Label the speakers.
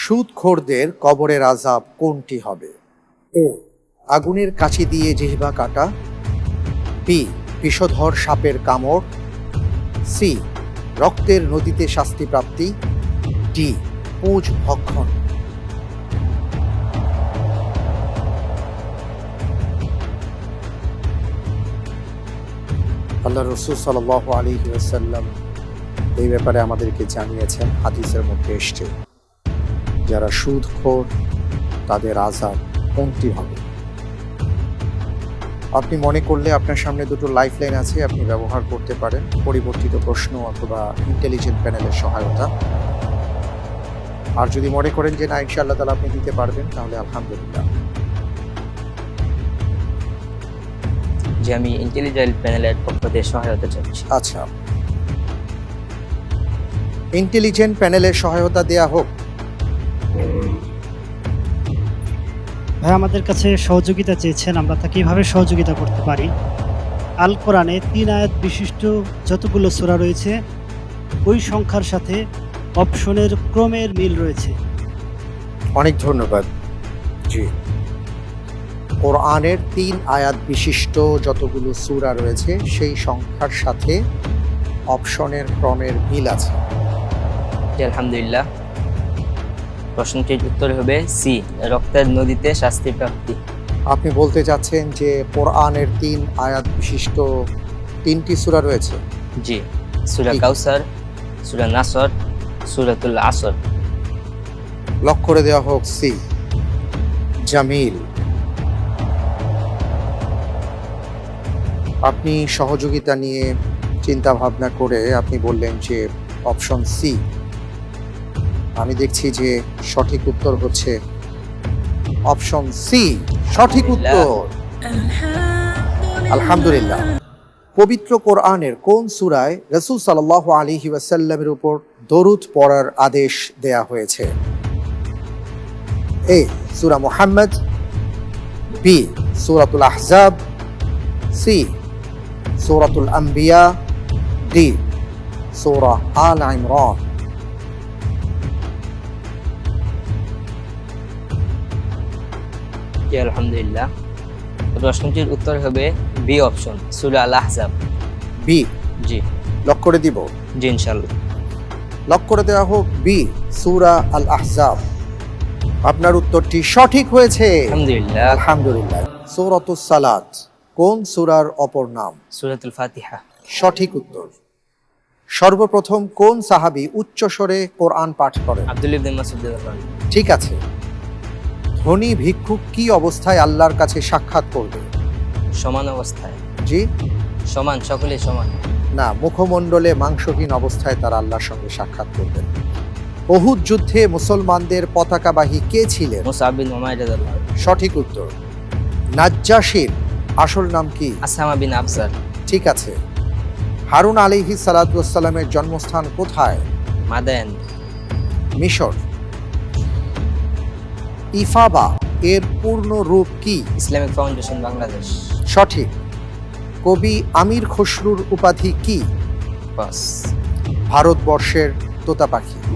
Speaker 1: সুদখোরদের কবরের আযাব কোনটি হবে? এ, আগুনের কাঁচি দিয়ে জিহ্বা কাটা। বি, বিষধর সাপের কামড়। সি, রক্তের নদীতে শাস্তিপ্রাপ্তি। ডি, পুঁজ ভক্ষণ। আল্লাহ রাসূল সাল্লাল্লাহু আলাইহি ওয়াসাল্লাম এই ব্যাপারে আমাদেরকে জানিয়েছেন, হাদিসের মধ্যে এসছে, যারা সুদখোর তাদের আযাব কোনটি হবে। আপনি মনে করলে আপনার সামনে দুটো লাইফলাইন আছে, আপনি ব্যবহার করতে পারেন পরিবর্তিত প্রশ্ন অথবা ইন্টেলিজেন্ট প্যানেলের সহায়তা। আর যদি মনে করেন যে না ইনশাআল্লাহ তাআলা আপনি দিতে পারবেন, তাহলে আলহামদুলিল্লাহ।
Speaker 2: যে আমি ইন্টেলিজেন্ট প্যানেলের পক্ষ থেকে সহায়তা চাচ্ছি।
Speaker 1: আচ্ছা, ইন্টেলিজেন্ট প্যানেলের সহায়তা দেয়া হোক।
Speaker 3: ভাই আমাদের কাছে সহযোগিতা চেয়েছেন, আমরা তাকে কিভাবে সহযোগিতা করতে পারি? আল কোরআনে 3 আয়াত বিশিষ্ট যতগুলো সূরা রয়েছে ওই সংখ্যার সাথে অপশনের ক্রমের মিল রয়েছে।
Speaker 1: অনেক ধন্যবাদ। জি, কোরআনের 3 আয়াত বিশিষ্ট যতগুলো সূরা রয়েছে সেই সংখ্যার সাথে অপশনের ক্রমের মিল আছে।
Speaker 2: জি, আলহামদুলিল্লাহ। প্রশ্নটির উত্তর হবে সি, রক্তের নদীতে শাস্তি প্রাপ্তি।
Speaker 1: আপনি বলতে চাচ্ছেন যে কোরআনের 3 আয়াত বিশিষ্ট 3টি সূরা রয়েছে?
Speaker 2: জি, সূরা
Speaker 1: ঠিক।
Speaker 2: কাউসার, সূরা নাসর, সূরাতুল আসর।
Speaker 1: লক করে দেওয়া হোক সি, জামিল। আপনি সহযোগিতা নিয়ে চিন্তা ভাবনা করে আপনি বললেন যে অপশন সি। আমি দেখছি যে সঠিক উত্তর হচ্ছে অপশন সি। সঠিক উত্তর, আলহামদুলিল্লাহ। পবিত্র কোরআনের কোন সূরায় রাসূল সাল্লাল্লাহু আলাইহি ওয়াসাল্লামের উপর দরুদ পড়ার আদেশ দেয়া হয়েছে? এ, সূরা মুহাম্মদ। বি, সূরাতুল আহজাব। সি, সূরাতুল আম্বিয়া। ডি, সূরা আল ইমরান।
Speaker 2: জি, আলহামদুলিল্লাহ। প্রশ্নটির উত্তর হবে বি অপশন, সূরা আল আহজাব।
Speaker 1: বি
Speaker 2: জি
Speaker 1: লক করে দিব।
Speaker 2: জি, ইনশাআল্লাহ।
Speaker 1: লক করে দেওয়া হোক বি, সূরা আল আহজাব। আপনার উত্তরটি সঠিক হয়েছে,
Speaker 2: আলহামদুলিল্লাহ।
Speaker 1: আলহামদুলিল্লাহ। সূরাতুস সালাত কোন সূরার অপর নাম?
Speaker 2: সূরাতুল ফাতিহা।
Speaker 1: সঠিক উত্তর। সর্বপ্রথম কোন সাহাবী উচ্চ স্বরে কোরআন পাঠ করেন?
Speaker 2: আব্দুল্লাহ ইবনে মাসউদ রাদিয়াল্লাহু আনহু।
Speaker 1: ঠিক আছে। ধনী ভিক্ষুক কি অবস্থায় আল্লাহর কাছে সাক্ষাৎ করবে?
Speaker 2: সমান অবস্থায়।
Speaker 1: জি
Speaker 2: সমান, সকলে সমান।
Speaker 1: না, মুখমণ্ডলে মাংসহীন অবস্থায় তারা আল্লাহর সঙ্গে সাক্ষাৎ করবেন। উহুদ যুদ্ধে মুসলমানদের পতাকাবাহী কে ছিলেন?
Speaker 2: মুসআব বিন উমাইর রাদিয়াল্লাহু আনহু।
Speaker 1: সঠিক উত্তর। নাজ্জাশীর আসল নাম কি?
Speaker 2: আসামা বিন আফজার।
Speaker 1: ঠিক আছে। হারুন আলাইহিস সালাতু ওয়াস সালামের জন্মস্থান কোথায়?
Speaker 2: মাদায়েন।
Speaker 1: মিশর। ইফাবা এর পূর্ণ রূপ কি?
Speaker 2: Islamic Foundation Bangladesh.
Speaker 1: সঠিক। কবি আমির খসরুর উপাধি কি?
Speaker 2: বাস।
Speaker 1: ভারতবর্ষের তোতা পাখি।